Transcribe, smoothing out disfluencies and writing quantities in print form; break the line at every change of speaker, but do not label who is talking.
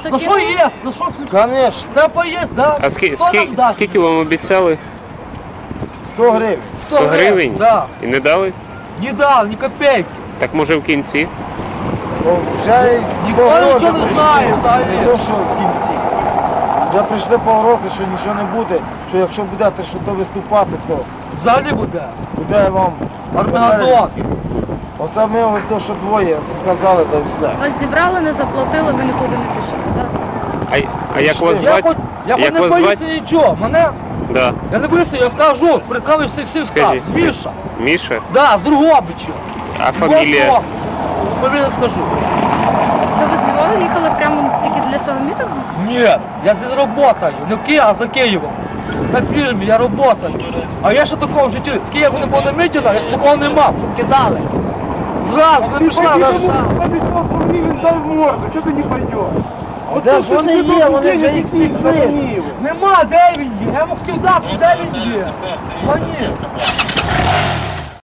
За
За що
ким?
є? За що?
Конечно,
Треба поїсти, да?
А
Хто нам дасть?
скільки вам обіцяли?
100 гривень.
100 гривень?
Да.
І не дали?
Не дав, ні копейки.
Так може в кінці?
О, вже
Ніхто
погрози
нічого не
прийшли.
знає взагалі.
Не то, що в кінці. Вже прийшли погрози, що нічого не буде, що якщо будете що-то виступати, то
Взагалі буде.
буде вам
Армагеддон.
Оце ми ось то, що двоє сказали, та й все.
Вас зібрали, не заплатили, ви нікуди не пішли, так?
А як вас
Я
звати?
хоч
Як
не
вас
боюся
звати?
нічого. Мене,
Да.
я не боюся, я скажу, представлю всім скажу.
Скажіть.
Міша.
Міша?
Да, з Другобича.
А фамілія?
Фамілію скажу.
То ви з Львова їхали прямо тільки для цього мітингу?
Ні, я здесь работаю. Не в Києві, а за Києвом. На фільмі я работаю. А я ще такого в житті, з Києва не було на мітингах, я ще такого не мав, щоб кидали. Зразу, не пішла на
Обіцяв він дав морду, що ти не пойдеш? Де ж вони є, вони вже їх всі зупинили.
Нема, де він є? Я йому хотів дати, де він є? Звони.